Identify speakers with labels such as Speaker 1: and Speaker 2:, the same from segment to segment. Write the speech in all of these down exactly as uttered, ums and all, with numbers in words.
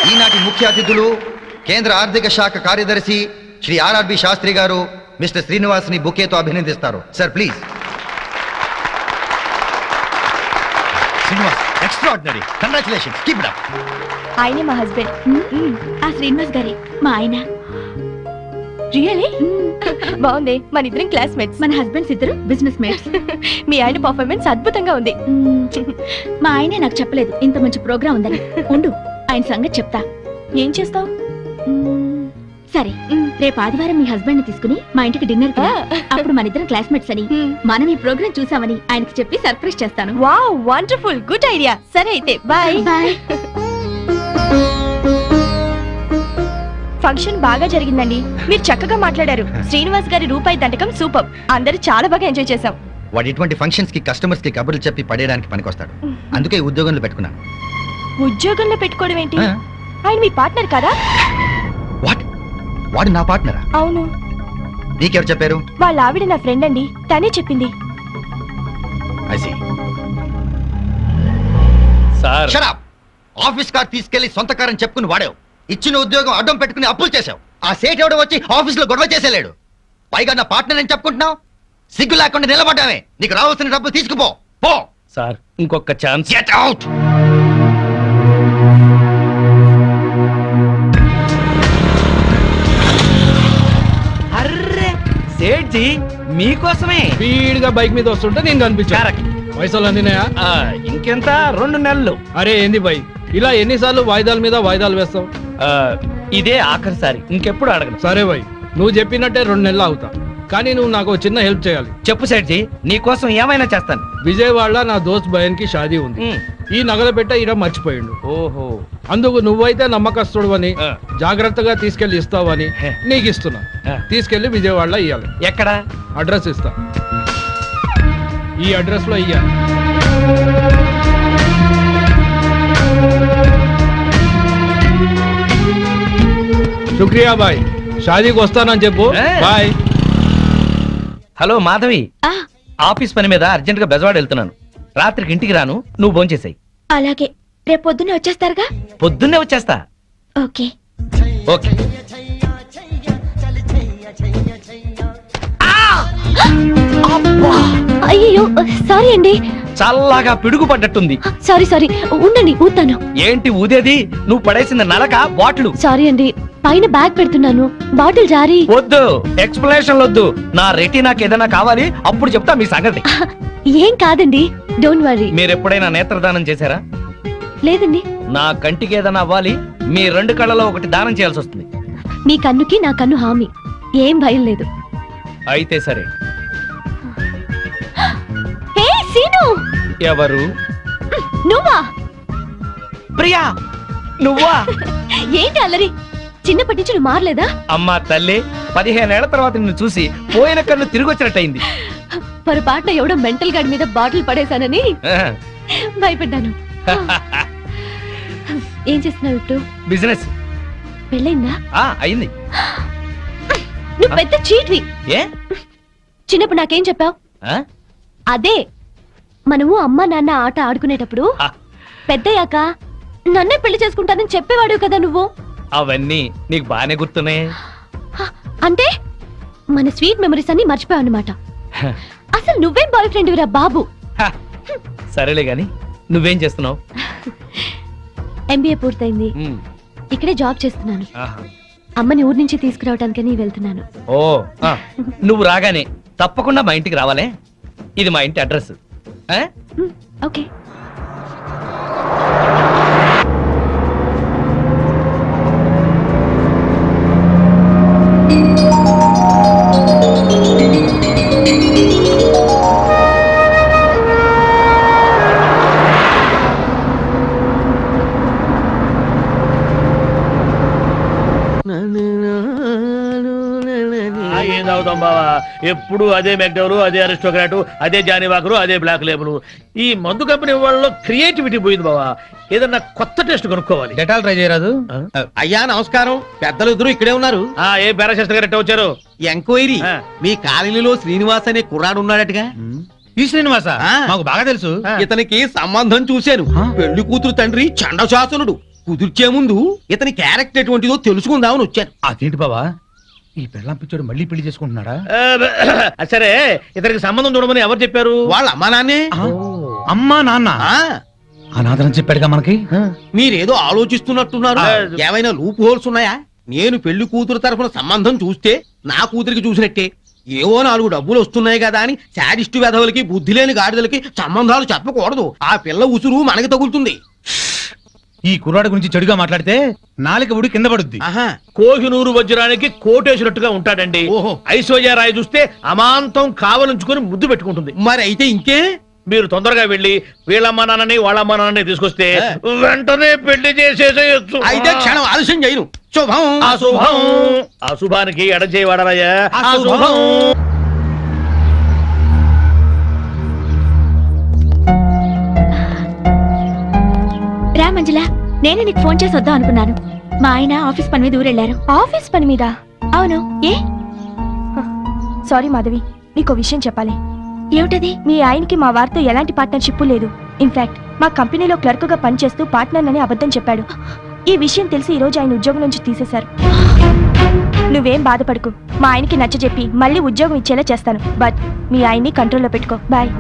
Speaker 1: ఈనాటి ముఖ్య అతిథులు కేంద్ర ఆర్థిక శాఖ కార్యదర్శి శ్రీ ఆర్ఆర్బి శాస్త్రి గారు మిస్టర్ శ్రీనివాస్ ని బుకేతో అభినందిస్తారు. Sir please. Srinivas, extraordinary, congratulations, keep it up.
Speaker 2: ఆయనే మా హస్బెండ్. ఆ శ్రీనివాస్ గారి మా ఆయన. రియలీ బాగుంది. మన ఇద్దరం క్లాస్మేట్స్. మన హస్బెండ్స్ ఇద్దరు బిజినెస్ మేట్స్. మీ ఆయన పర్ఫార్మెన్స్ అద్భుతంగా ఉంది. మా ఆయనే నాకు చెప్పలేదు ఇంత మంచి ప్రోగ్రామ్ ఉందని. ఉండు, ఆయన సంగతి చెప్తా. ఏం చేస్తావు? సరే, రేపు ఆదివారం మీ హస్బెండ్ ని తీసుకుని మా ఇంటికి డిన్నర్ కి రా. అప్పుడు మన ఇద్దరం క్లాస్మేట్స్ అని, మనం ఈ ప్రోగ్రామ్ చూసామని ఆయనకి చెప్పి సర్ప్రైజ్ చేస్తాను. Wow, wonderful, good idea. సరే అయితే బాయ్. బాయ్. ఫంక్షన్ బాగా జరిగిందండి. మీరు చక్కగా మాట్లాడారు. శ్రీనివాస్ గారి రూపాయి దండకం సూపర్. అందరూ చాలా బాగా ఎంజాయ్ చేశాం.
Speaker 1: వాడు ఇటువంటి ఫంక్షన్స్ కి కస్టమర్స్ కి కబుర్లు చెప్పి పడేయడానికి పనికొస్తాడు. అందుకే ఈ ఉద్యోగంలో పెట్టుకున్నాను.
Speaker 2: ఉద్యోగంలో పెట్టుకోవడం ఏంటి? ఆయన మీ పార్ట్నర్ కదా?
Speaker 1: వాట్? వాడు నా పార్ట్నరా?
Speaker 2: అవును.
Speaker 1: నీకెవరు చెప్పారు?
Speaker 2: వాళ్ళ ఆవిడ నా ఫ్రెండ్ అండి, తనే చెప్పింది.
Speaker 1: I see.
Speaker 3: Sir,
Speaker 1: Shut up! Office car తీసుకెళ్లి సొంత కారని చెప్పుకుని వాడావు. ఇచ్చిన ఉద్యోగం అడ్డం పెట్టుకుని అప్పులు చేశావు. ఆ సేట్ ఎవడో వచ్చి ఆఫీస్ లో గొడవ చేసేలేడు. పైగా నా పార్ట్నర్ అని చెప్పుకుంటున్నావు. సిగ్గు లేకుండా నిలబడ్డామే. నీకు రావాల్సిన డబ్బులు తీసుకుపో. పో.
Speaker 3: సార్, ఇంకొక ఛాన్స్.
Speaker 1: Get out!
Speaker 3: అర్రే సేట్జీ, మీకోసమే
Speaker 4: స్పీడ్ గా బైక్ మీద వస్తుంటే నేను కనిపించా. పైసలు అందినాయా?
Speaker 3: ఆ, ఇంకెంత రెండు నెలలు.
Speaker 4: అరే ఏంది బై, ఇలా ఎన్నిసార్లు వాయిదాల మీద వాయిదాలు వేస్తావు?
Speaker 3: ఆ, ఇదే ఆఖరిసారి, ఇంకెప్పుడు అడగను.
Speaker 4: సరే బై, నువ్వు చెప్పినట్టే రెండు నెలలు అవుతా. కానీ నువ్వు నాకు చిన్న హెల్ప్ చేయాలి.
Speaker 3: చెప్పు సేట్జీ, నీకోసం ఏమైనా చేస్తాను.
Speaker 4: విజయవాడలో నా దోస్త్ భయన్ కి షాదీ ఉంది.
Speaker 3: ఉమ్.
Speaker 4: ఈ నగల పెట్ట ఈడ మర్చిపోయిండు.
Speaker 3: ఓహో,
Speaker 4: అందుకు నువ్వైతే నమ్మకస్తుడు అని,
Speaker 3: ఆ.
Speaker 4: జాగ్రత్తగా తీసుకెళ్లి ఇస్తావని
Speaker 3: హే.
Speaker 4: నీకు ఇస్తున్నా.
Speaker 3: ఆ.
Speaker 4: తీసుకెళ్లి విజయవాడలో ఇయ్యాలి.
Speaker 3: ఎక్కడ?
Speaker 4: అడ్రస్ ఇస్తా. ఈ అడ్రస్ లో ఇయ్యాలి. శుక్రియా బాయ్, షాదీకి వస్తానని చెప్పు.
Speaker 3: ఏ.
Speaker 4: బాయ్.
Speaker 3: హలో మాధవి,
Speaker 2: ఆ,
Speaker 3: ఆఫీస్ పని మీద అర్జెంట్ గా బెజవాడ వెళ్తున్నాను. రాత్రికి ఇంటికి రాను, నువ్వు భోంచేసాయి.
Speaker 2: అలాగే. రేపు పొద్దున్నే వచ్చేస్తారుగా?
Speaker 3: పొద్దున్నే వచ్చేస్తా.
Speaker 2: ఓకే.
Speaker 3: ఓకే.
Speaker 2: అయ్యో, సారీ అండి.
Speaker 3: చల్లగా పిడుగు పడ్డట్టుంది.
Speaker 2: సారీ సారీ, ఉండండి ఊతాను.
Speaker 3: ఏంటి ఊదేది? నువ్వు పడేసింది నలక బాటిల్.
Speaker 2: సారీ అండి, పైన బ్యాగ్ పెడుతున్నాను, బాటిల్ జారీ.
Speaker 3: వద్దు, ఎక్స్ప్లెనేషన్ వద్దు. నా రెటీ నాకు ఏదైనా కావాలి, అప్పుడు చెప్తా మీ సంగతి.
Speaker 2: ఏం కాదండి, డోంట్ వరీ.
Speaker 3: మీరు ఎప్పుడైనా నేత్రదానం చేశారా?
Speaker 2: లేదండి.
Speaker 3: నా కంటికి ఏదైనా అవ్వాలి, మీ రెండు కళ్ళలో ఒకటి దానం చేయాల్సి వస్తుంది.
Speaker 2: మీ కన్నుకి నా కన్ను హామీ, ఏం భయం లేదు.
Speaker 3: అయితే సరే.
Speaker 2: హే సీను.
Speaker 3: ఎవరు?
Speaker 2: నువ్వా?
Speaker 3: ప్రియా, నువ్వా?
Speaker 2: ఏంటి అల్లరి? చిన్నప్పటి నుంచి నువ్వు మారలేదా?
Speaker 3: అమ్మా తల్లి, పదిహేనేళ్ల తర్వాత నిన్ను చూసి పోయిన కన్ను తిరిగి వచ్చినట్టయింది.
Speaker 2: పొరపాటున ఎవడో మెంటల్ గార్డ్ మీద బాటిల్ పడేశానని
Speaker 3: ఆహా.
Speaker 2: భయపడ్డాను. ఏం చేస్తున్నావు ఇప్పుడు?
Speaker 3: బిజినెస్.
Speaker 2: పెళ్ళైందా?
Speaker 3: ఆ అయింది.
Speaker 2: నువ్వు పెద్ద చీట్వి.
Speaker 3: ఏ?
Speaker 2: చిన్నప్పుడు నాకేం చెప్పావు?
Speaker 3: ఆ?
Speaker 2: అదే, మనము అమ్మ నాన్న ఆట ఆడుకునేటప్పుడు
Speaker 3: ఆ,
Speaker 2: పెద్దయ్యాక నన్నే పెళ్లి చేసుకుంటానని చెప్పేవాడు కదా నువ్వు.
Speaker 3: అవన్నీ నీకు బానే గుర్తున్నాయి.
Speaker 2: హ, అంటే మన స్వీట్ మెమరీస్ అన్ని మర్చిపోయావు అన్నమాట. అసలు నువ్వేం బాయ్ ఫ్రెండ్ రా బాబు.
Speaker 3: హ, సరేలే గాని నువ్వేం చేస్తున్నావు?
Speaker 2: ఎంబీఏ పూర్తయింది,
Speaker 3: ఉమ్,
Speaker 2: ఇక్కడే జాబ్ చేస్తున్నాను.
Speaker 3: ఆహా.
Speaker 2: అమ్మని ఊరి నుంచి తీసుకురావడానికని వెళ్తున్నాను.
Speaker 3: ఓ, ఆ, నువ్వు రాగానే తప్పకుండా మా ఇంటికి రావాలే. ఇది మా ఇంటి అడ్రస్. ఆ?
Speaker 2: మ్, ఓకే.
Speaker 5: ఏం తాగుతాం బావా, ఎప్పుడు అదే మెక్డవరు, అదే అరిస్టోక్రాటు, అదే జానీవాకరు, అదే బ్లాక్ లేబుల్. ఈ మందు కంపెనీ వాళ్ళలో క్రియేటివిటీ పోయింది బావా. ఏదన్నా కొత్త టెస్ట్ కొనుక్కోవాలి.
Speaker 4: డెటాల్ ట్రై చేయరాదు?
Speaker 6: అయ్యా నమస్కారం, పెద్దలు ఇద్దరు ఇక్కడే ఉన్నారు.
Speaker 5: ఆ ఏ పారాశాస్త్రి గారు ఎట్ట వచ్చారు?
Speaker 6: ఎంక్వైరీ,
Speaker 5: ఆ.
Speaker 6: మీ కాలనీలో శ్రీనివాస్ అనే కుర్రాడు ఉన్నాడటగా.
Speaker 4: ఈ శ్రీనివాస
Speaker 6: ఆ.
Speaker 4: మాకు బాగా తెలుసు.
Speaker 6: ఇతనికి సంబంధం చూశాను. పెళ్లి కూతురు తండ్రి చండశాసనుడు, కుదిర్చే ముందు ఇతని క్యారెక్టర్ ఎటువంటిదో తెలుసుకుందామని వచ్చాను.
Speaker 3: అదేంటి బావా ఈ పెళ్ళం పిచ్చోడు మళ్ళీ పెళ్లి చేసుకుంటున్నాడా?
Speaker 5: ఆ, సరే ఇతనికి సంబంధం చూడమని ఎవరు చెప్పారు?
Speaker 6: వాళ్ళ అమ్మా నాన్నే.
Speaker 3: ఆ, అమ్మా నాన్న
Speaker 6: ఆ,
Speaker 3: అనాథరం చెప్పాడుగా మనకి.
Speaker 6: మీరేదో ఆలోచిస్తున్నట్టున్నారు.
Speaker 5: ఆ.
Speaker 6: ఏమైనా లూప్ హోల్స్ ఉన్నాయా? నేను పెళ్లి కూతురు తరఫున సంబంధం చూస్తే నా కూతురికి చూసినట్టే. ఏవో నాలుగు డబ్బులు వస్తున్నాయి కదా అని శాడిస్టు వెధవులకి బుద్ధి లేని గాడిదలకి సంబంధాలు చెప్పకూడదు. ఆ పిల్ల ఉసురు మనకి తగులుతుంది.
Speaker 3: ఈ కుర్రాడి గురించి చెడుగా మాట్లాడితే నాలుక ఉడి కింద పడుద్ది.
Speaker 6: ఆహా,
Speaker 5: కోహినూరు వజ్రానికి కోటేసినట్టుగా ఉంటాడండి.
Speaker 6: ఓహో.
Speaker 5: ఐశ్వర్యరాయ్ చూస్తే అమాంతం కావలించుకొని ముద్దు పెట్టుకుంటుంది.
Speaker 6: మరి అయితే ఇంకే.
Speaker 5: మీరు తొందరగా వెళ్ళి వీళ్ళమ్మ నాన్నని వాళ్ళమ్మ నాన్నని తీసుకొస్తే
Speaker 6: ఆ.
Speaker 5: వెంటనే పెళ్లి చేసేసేయచ్చు.
Speaker 6: అయితే క్షణం ఆలస్యం చేయను. శుభం.
Speaker 5: అశుభం. అశుభానికి ఎడచేయి వాడరాయా.
Speaker 6: అశుభం.
Speaker 2: రా మంజుల, నేనే నీకు ఫోన్ చేసి వద్దాం అనుకున్నాను. మా ఆయన ఆఫీస్ పని మీద ఊరెళ్ళారు. ఆఫీస్ పని మీద? అవును. ఏ?
Speaker 7: సారీ మాధవి, నీకో విషయం చెప్పాలి.
Speaker 2: ఏమిటది?
Speaker 7: మీ ఆయనకి మా వారితో ఎలాంటి పార్ట్నర్షిప్ లేదు. ఇన్ఫాక్ట్ మా కంపెనీలో క్లర్క్ గా పనిచేస్తూ పార్ట్నర్ అని అబద్ధం చెప్పాడు. ఈ విషయం తెలిసి ఈ రోజు ఆయన ఉద్యోగం నుంచి తీసేశారు. నువ్వేం బాధపడకు, మా ఆయనకి నచ్చజెప్పి మళ్ళీ ఉద్యోగం ఇచ్చేలా చేస్తాను. బట్ మీ ఆయన్ని కంట్రోల్లో పెట్టుకో. బాయ్.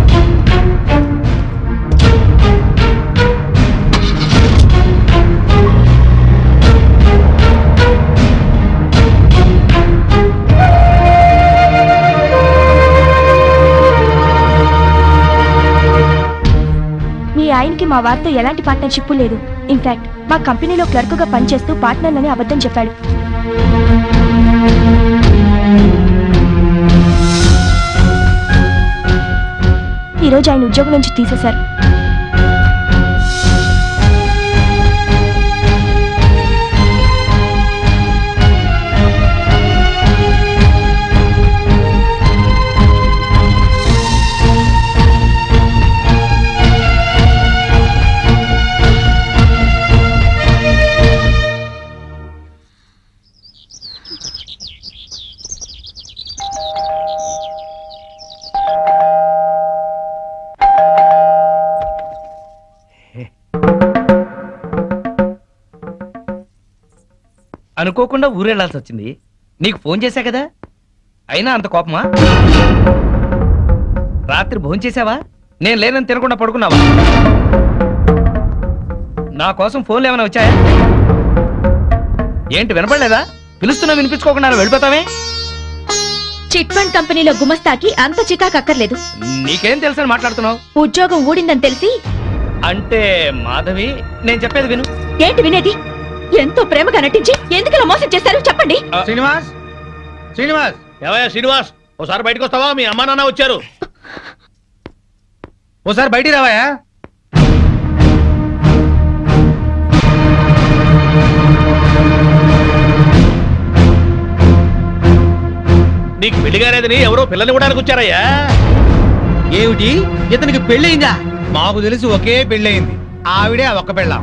Speaker 7: మీ ఆయనకి మా వారితో ఎలాంటి పార్ట్నర్షిప్ లేదు. ఇన్ఫాక్ట్ మా కంపెనీలో క్లర్క్ గా పనిచేస్తూ పార్ట్నర్ అని అబద్ధం చెప్పాడు. ఈ రోజు ఆయన ఉద్యోగం నుంచి తీసేశారు.
Speaker 3: అనుకోకుండా ఊరెళ్లాల్సి వచ్చింది. నీకు ఫోన్ చేశా కదా, అయినా అంత కోపమా? రాత్రి భోజనం చేసావా? నేను లేనని తినకుండా పడుకున్నావా? నా కోసం ఫోన్లు ఏమైనా వచ్చాయా? ఏంటి వినపడలేదా? పిలుస్తున్నా వినిపించుకోకుండా వెళ్ళిపోతావే?
Speaker 2: చిట్ ఫండ్ కంపెనీలో గుమస్తాకి అంత చికాకు అక్కర్లేదు.
Speaker 3: నీకేం తెలుసని మాట్లాడుతున్నావు?
Speaker 2: ఉద్యోగం ఊడిందని తెలిసి.
Speaker 3: అంటే మాధవి, నేను చెప్పేది విను.
Speaker 2: ఏంటి వినేది? ఎంతో ప్రేమగా నటించి ఎందుకు ఇలా మోసం చేశారు చెప్పండి.
Speaker 3: శ్రీనివాస్, శ్రీనివాస్,
Speaker 5: ఏవయ్యా శ్రీనివాస్, ఓసారి బయటకు వస్తావా? మీ అమ్మా నాన్న వచ్చారు.
Speaker 3: ఓసారి బయటికి రావాయా?
Speaker 5: నీకు పెళ్లి కాలేదని ఎవరో పిల్లని ఇవ్వడానికి వచ్చారయ్యా.
Speaker 6: ఏమిటి, ఇతనికి పెళ్ళయిందా?
Speaker 3: మాకు తెలిసి ఒకే పెళ్ళయింది, ఆవిడే ఆ ఒక్క పెళ్ళాం.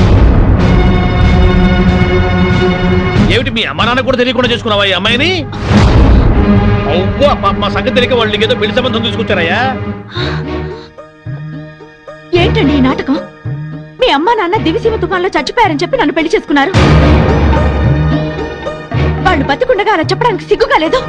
Speaker 5: ఏమిటి మీ అమ్మా నాన్న కూడా తెలియకుండా చేసుకున్నావా ఈ అమ్మాయిని? అవ్వో, మా- మా సంగతి తెలియక వాళ్ళు నీకేదో పెళ్లి సంబంధం తీసుకొచ్చారయ్యా.
Speaker 2: ఏంటండి ఈ నాటకం? మీ అమ్మా నాన్న దివిసీమ తుఫాన్లో చచ్చిపోయారని చెప్పి నన్ను పెళ్లి చేసుకున్నారు. వాళ్ళు బతికుండగా అలా చెప్పడానికి సిగ్గుగా లేదు.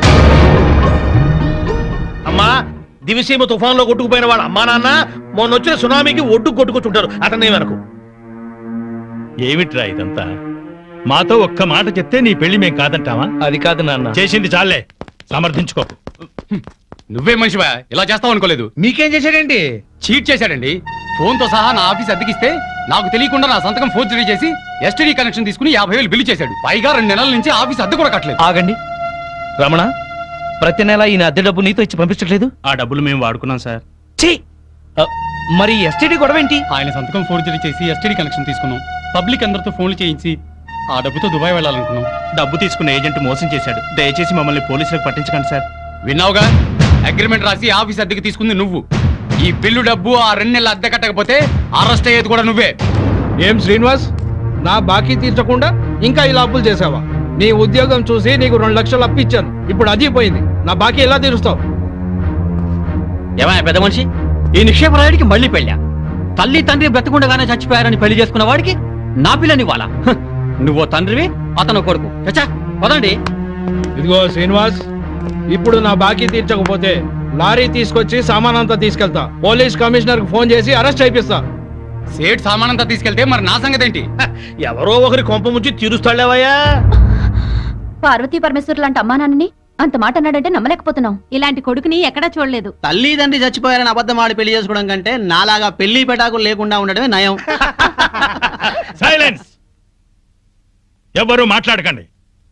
Speaker 5: అమ్మా, దివిసీమ తుఫాన్ లో కొట్టుకుపోయిన వాళ్ళ అమ్మా నాన్న మొన్న వచ్చిన సునామీకి ఒడ్డు కొట్టుకొచ్చుంటారు. అతన్ని వరకు
Speaker 8: ఏమిట్రా ఇదంతా? మాతో ఒక్క మాట చెప్తే నీ పెళ్లి మేం కాదంటావా?
Speaker 3: అది కాదు నాన్న.
Speaker 8: చేసింది చాలే, సమర్థించుకోకు.
Speaker 9: నువ్వే మనిషివా? ఇలా చేస్తావు అనుకోలేదు.
Speaker 3: మీకేం చేశాడేంటి?
Speaker 9: చీట్ చేశాడండి. ఫోన్ తో సహా నా ఆఫీస్ అద్దెకిస్తే నాకు తెలియకుండా నా సంతకం ఫోర్జరీ చేసి ఎస్టీడీ కనెక్షన్ తీసుకుని యాభై వేలు బిల్లు చేశాడు. పైగా రెండు నెలల నుంచి ఆఫీస్ అద్దె కూడా కట్టలేదు.
Speaker 3: ఆగండి రమణ, ప్రతి నెల ఈయన అద్దె డబ్బు నీతో ఇచ్చి పంపించట్లేదు?
Speaker 8: ఆ డబ్బులు మేము వాడుకున్నాం సార్.
Speaker 3: ఛీ! ఆ, మరి ఎస్టీడీ గొడవ ఏంటి?
Speaker 9: ఆయన సంతకం ఫోర్జరీ చేసి ఎస్టీడీ కనెక్షన్ తీసుకున్నాం. పబ్లిక్ అందరితో ఫోన్లు చేయించి ఆ డబ్బుతో దుబాయ్ వెళ్ళాలనుకున్నాం.
Speaker 8: డబ్బు తీసుకున్న ఏజెంట్ మోసం చేశాడు. దయచేసి మమ్మల్ని పోలీసులకు పట్టించకండి సార్.
Speaker 9: విన్నావుగా, అగ్రిమెంట్ రాసి ఆఫీస్ అద్దెకి తీసుకుంది నువ్వు. ఈ బిల్లు డబ్బు ఆ రెండు నెలల అద్దె కట్టకపోతే అరెస్ట్ అయ్యేది కూడా నువ్వే.
Speaker 4: ఏం శ్రీనివాస్, నా బాకీ తీర్చకుండా ఇంకా ఇలా అప్పులు చేసావా? నీ ఉద్యోగం చూసి నీకు రెండు లక్షలు అప్పిచ్చాను, ఇప్పుడు అది పోయింది. నా బాకీ ఎలా తీరుస్తావు?
Speaker 10: ఏమైనా పెద్ద మనిషి, ఈ నిక్షేపరాయుడికి మళ్ళీ పెళ్ళా? తల్లి తండ్రి బ్రతకుండగానే చచ్చిపోయారని పెళ్లి చేసుకున్న వాడికి
Speaker 9: నా పిల్లని వాళ్ళ నువ్వో తండ్రివి అతను కొడుకు చచ్చా పదండి.
Speaker 4: ఇదిగో శ్రీనివాస్, ఇప్పుడు నా బాకీ తీర్చకపోతే లారీ తీసుకొచ్చి సామాన్ అంతా తీసుకెళ్తా. పోలీస్ కమిషనర్ కి ఫోన్ చేసి అరెస్ట్ అయిపిస్తా.
Speaker 9: సేట్ సామానంతా తీసుకెళ్తే మరి నా సంగతి ఏంటి?
Speaker 5: ఎవరో ఒకరి కొంప ముంచి తీరుస్తాడేవయ్యా.
Speaker 2: పార్వతీ పరమేశ్వర్ లాంటి అమ్మా నాన్నని అంత మాట అన్నాడంటే నమ్మలేకపోతున్నాం. ఇలాంటి కొడుకుని ఎక్కడా చూడలేదు.
Speaker 6: తల్లిదండ్రి చచ్చిపోయారని అబద్ధం ఆడి పెళ్లి చేసుకోవడం కంటే నాలాగా పెళ్లి పెటాకులు లేకుండా ఉండడమే నయం.
Speaker 8: సైలెన్స్, ఎవరు మాట్లాడకండి.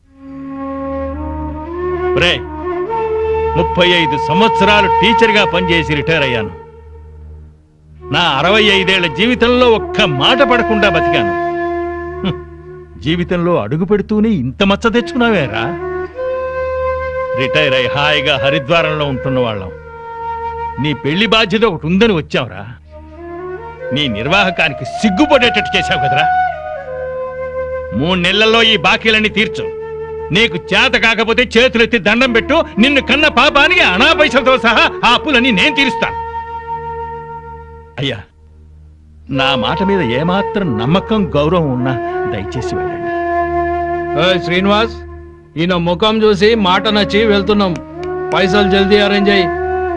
Speaker 8: రే, ముప్పై ఐదు సంవత్సరాలు టీచర్గా పనిచేసి రిటైర్ అయ్యాను. నా అరవై ఐదేళ్ల జీవితంలో ఒక్క మాట పడకుండా బతికాను. హ్మ్. జీవితంలో అడుగు పెడుతూనే ఇంత మచ్చ తెచ్చుకున్నావేరా? రిటైర్ అయి హాయిగా హరిద్వారంలో ఉంటున్న వాళ్ళం. నీ పెళ్లి బాధ్యత ఒకటి ఉందని వచ్చావురా. నీ నిర్వాహకానికి సిగ్గుపడేటట్టు చేశావు కదరా. మూడు నెలల్లో ఈ బాకీలన్నీ తీర్చు. నీకు చేత కాకపోతే చేతులెత్తి దండం పెట్టు. నిన్ను కన్న పాపానికి అనా పైసలతో సహా ఆ అప్పులన్నీ నేను తీరుస్తాను. అయ్యా, నా మాట మీద ఏమాత్రం నమ్మకం గౌరవం ఉన్నా దయచేసి వెళ్ళండి.
Speaker 4: ఏయ్ శ్రీనివాస్, ఈయన ముఖం చూసి మాట నచ్చి వెళ్తున్నాం. పైసలు జల్దీ అరేంజ్ అయ్యి.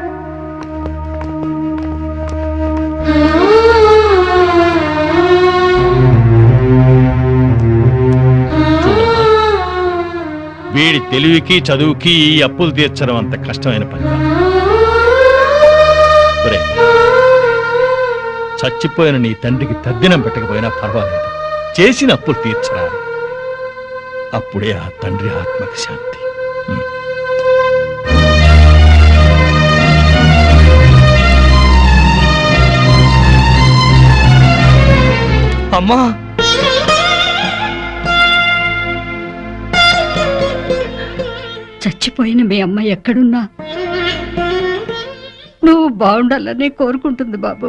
Speaker 8: వీడి తెలివికి చదువుకి ఈ అప్పులు తీర్చడం అంత కష్టమైన పని కాదు. ఒరేయ్, చచ్చిపోయిన నీ తండ్రికి తద్దినం పెట్టకపోయినా పర్వాలేదు, చేసిన అప్పులు తీర్చరా. అప్పుడే ఆ తండ్రి ఆత్మకి శాంతి. ఉమ్.
Speaker 3: అమ్మా,
Speaker 10: చచ్చిపోయిన మీ అమ్మ ఎక్కడున్నా నువ్వు బాగుండాలని కోరుకుంటుంది బాబు.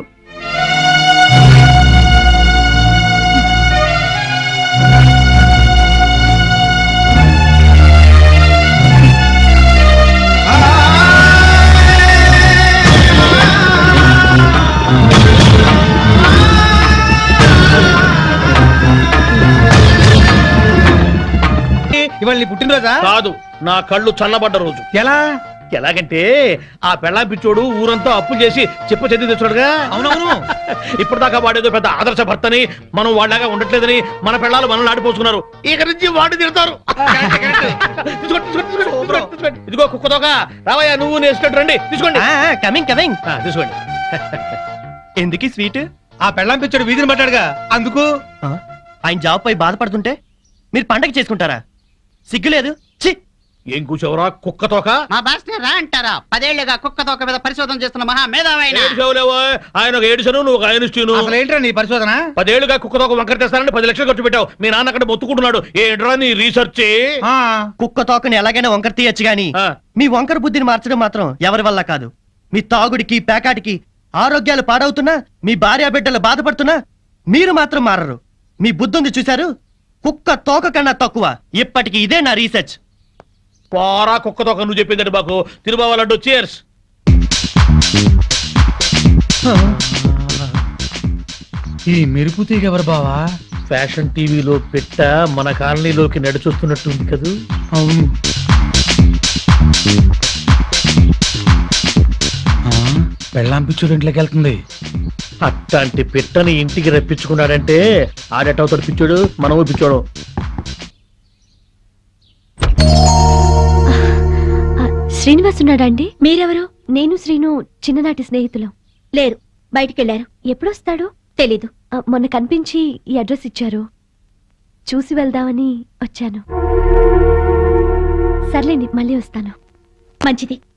Speaker 6: ఇవాళ నీ పుట్టినరోజా?
Speaker 5: కాదు, నా కళ్ళు చల్లబడ్డ రోజు.
Speaker 6: ఎలా?
Speaker 5: ఎలాగంటే ఆ పెళ్ళాం పిచ్చోడు ఊరంతా అప్పులు చేసి చెప్ప చెంది తెచ్చాడుగా.
Speaker 6: అవునవును.
Speaker 5: ఇప్పుడు దాకా వాడేదో పెద్ద ఆదర్శ భర్తని, మనం వాళ్ళగా ఉండట్లేదని మన పెళ్ళాలు మనల్ని ఆడిపోసుకున్నారు. ఇక నుంచి వాడు తిడతారు. తీసుకోండి, తీసుకోండి, తీసుకోండి, తీసుకోండి. ఇదిగో కుక్కతోక, రావయ్యా నువ్వు నేర్చుకుంటూ రండి. తీసుకోండి.
Speaker 6: Coming coming.
Speaker 5: ఆ, తీసుకోండి.
Speaker 6: ఎందుకు స్వీట్? ఆ పెళ్ళాం పిచ్చాడు వీధిని పట్టాడుగా, అందుకు. ఆయన జాబ్ పై బాధపడుతుంటే మీరు పండగ చేసుకుంటారా? సిగ్గులేదు. ఛీ!
Speaker 5: ఏం కూర్చోవరా కుక్కతోక?
Speaker 6: మా బాస్ రా అంటారా? పదేళ్లుగా కుక్క తోక మీద పరిశోధన చేస్తున్న మహా మేధావైన
Speaker 5: ఏడుచావులేవో, ఆయన ఒక ఏడుసను, నువ్వు ఒక ఐన్స్టీను.
Speaker 6: అసలు ఏంట్రా నీ పరిశోధన?
Speaker 5: పదేళ్లుగా కుక్కతోక వంకర తెస్తానని పది లక్షలు ఖర్చు పెట్టావు. మీ నాన్న అక్కడ మొత్తుకుంటున్నాడు. ఏంట్రా నీ రీసెర్చ్?
Speaker 6: కుక్క తోకని ఎలాగైనా వంకర తీయచ్చు గాని
Speaker 5: ఆ.
Speaker 6: మీ వంకర బుద్ధిని మార్చడం మాత్రం ఎవరి వల్ల కాదు. మీ తాగుడికి పేకాటికి ఆరోగ్యాలు పాడవుతున్నా, మీ భార్య బిడ్డలు బాధపడుతున్నా మీరు మాత్రం మారరు. మీ బుద్ధుంది చూశారు? కుక్క తోక కన్నా తక్కువ. ఇప్పటికి ఇదే నా రీసెర్చ్.
Speaker 5: పోరా కుక్కతోక, నువ్వు చెప్పిందండి బాకు. తిరుబావాలంటూ చేర్స్.
Speaker 6: ఈ మెరుపు తీగ ఎవరు బావా?
Speaker 5: ఫ్యాషన్ టీవీలో పెట్ట మన కాలనీలోకి నడిచొస్తున్నట్టుంది కదూ.
Speaker 6: అవును. పెళ్ళాం పిచ్చోడు ఇంట్లోకి వెళ్తుంది.
Speaker 5: అట్లాంటి పిట్టని ఇంటికి రప్పించుకున్నాడంటే ఆడేటవుతాడు పిచ్చోడు, మనము పిచ్చోడు.
Speaker 2: శ్రీనివాస్ ఉన్నాడా అండి? మీరెవరు? నేను శ్రీను చిన్ననాటి స్నేహితులు. లేరు, బయటికెళ్లారు. ఎప్పుడొస్తాడు తెలీదు. ఆ, మొన్న కనిపించి ఈ అడ్రస్ ఇచ్చారు. చూసి వెళ్దామని వచ్చాను. సర్లేండి, మళ్ళీ వస్తాను. మంచిది.